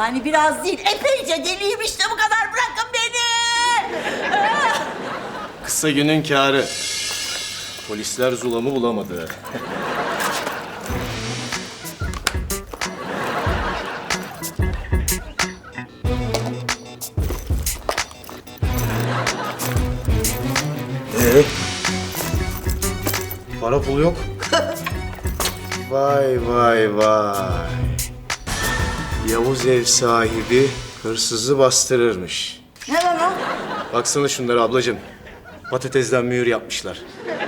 Yani biraz değil, epeyce deliyim işte bu kadar. Bırakın beni. Kısa günün kârı. Polisler Zula'mı bulamadı. Para pul yok. Vay vay vay. Yavuz ev sahibi hırsızı bastırırmış. Ne lan o? Baksana şunlara ablacığım. Patatesden mühür yapmışlar.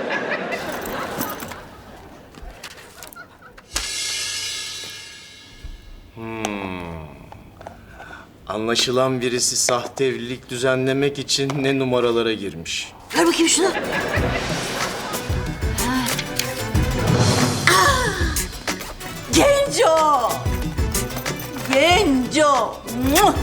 Anlaşılan birisi sahte evlilik düzenlemek için ne numaralara girmiş. Ver bakayım şunu. Genco! Genco! Muah!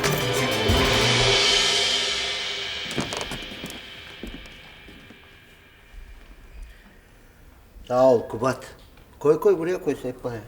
Sağ ol Kubat. Koy buraya koy sehpaya.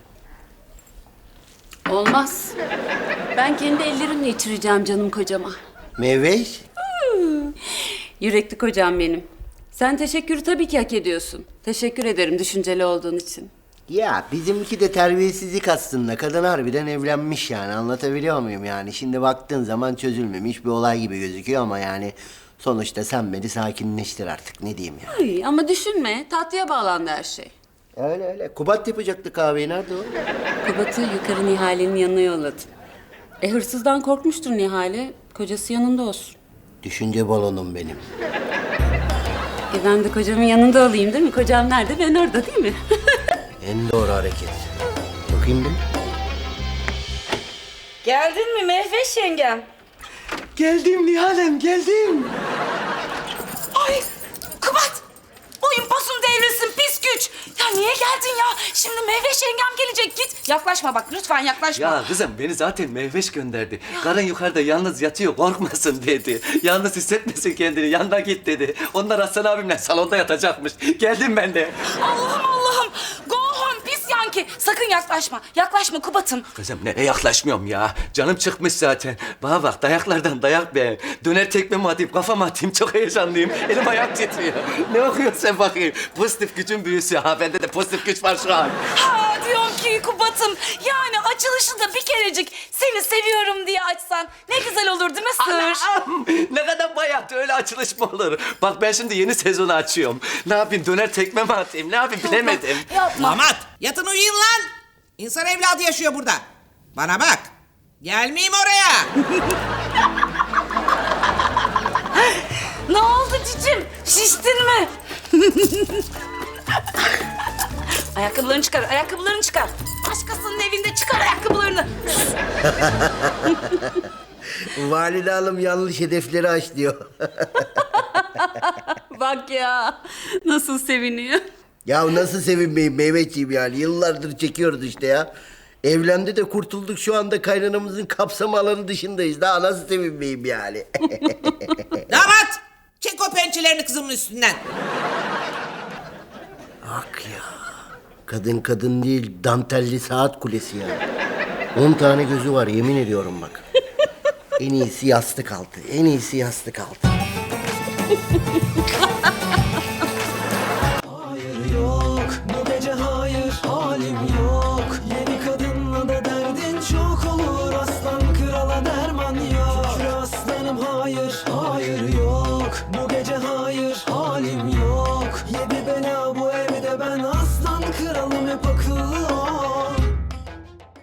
Olmaz. Ben kendi ellerimle içireceğim canım kocama. Meyveş. Yürekli kocam benim. Sen teşekkürü tabii ki hak ediyorsun. Teşekkür ederim düşünceli olduğun için. Ya bizimki de terbiyesizlik aslında. Kadın harbiden evlenmiş yani, anlatabiliyor muyum yani? Şimdi baktığın zaman çözülmemiş bir olay gibi gözüküyor ama yani... Sonuçta sen beni sakinleştir artık, ne diyeyim ya. Ay, ama düşünme, tatlıya bağlandı her şey. Öyle. Kubat yapacaktı kahveyi, nerede o? Kubat'ı yukarı Nihale'nin yanına yolladım. Hırsızdan korkmuştur Nihale, kocası yanında olsun. Düşünce balonum benim. Ben de kocamın yanında olayım değil mi? Kocam nerede? Ben orada değil mi? En doğru hareket. Bakayım bir. Geldin mi Mehveş yengem? Geldim Nihal'em, geldim. Ay Kubat! Boyun posun devrilsin pis güç. Ya niye geldin ya? Şimdi Mehveş yengem gelecek git. Yaklaşma bak lütfen yaklaşma. Ya kızım beni zaten Mehveş gönderdi. Karın yukarıda yalnız yatıyor korkmasın dedi. Yalnız hissetmesin kendini yanına git dedi. Onlar Hasan abimle salonda yatacakmış. Geldim ben de. Allah'ım. Go home pis yanki. Sakın yaklaşma. Yaklaşma Kubat'ım. Kızım nereye yaklaşmıyorum ya. Canım çıkmış zaten. Bana bak dayaklardan dayak be. Döner tekme mi atayım kafama atayım çok heyecanlıyım. Elim ayağım titriyor. Ne okuyorsun sen bakayım? Pozitif gücün büyüsü. Ha bende de pozitif güç var şu an. Ha diyorum ki Kubat'ım. Yani açılışı da bir kerecik seni seviyorum diye açsan ne güzel olur değil mi Sır? Anam! Ne kadar bayat öyle açılış mı olur? Bak ben şimdi yeni sezonu açıyorum. Ne yapayım döner tekme mi atayım? Ne yapayım bilemedim. Yapma. Damat yatın uyuyun lan. İnsan evladı yaşıyor burada. Bana bak. Gelmeyeyim oraya. Ne oldu cicim? Şiştin mi? Ayakkabılarını çıkar, ayakkabılarını çıkar. Başkasının evinde çıkar ayakkabılarını. Valide hanım yanlış hedefleri aşlıyor. Bak ya, nasıl seviniyor. Ya nasıl sevinmeyeyim Mehmetciğim yani, yıllardır çekiyoruz işte ya. Evlendi de kurtulduk, şu anda kaynanamızın kapsam alanı dışındayız. Daha nasıl sevinmeyeyim yani. Damat çek o pençelerini kızımın üstünden. Bak ya. Kadın değil, dantelli saat kulesi ya. 10 tane gözü var yemin ediyorum bak. En iyisi yastık altı. En iyisi yastık altı.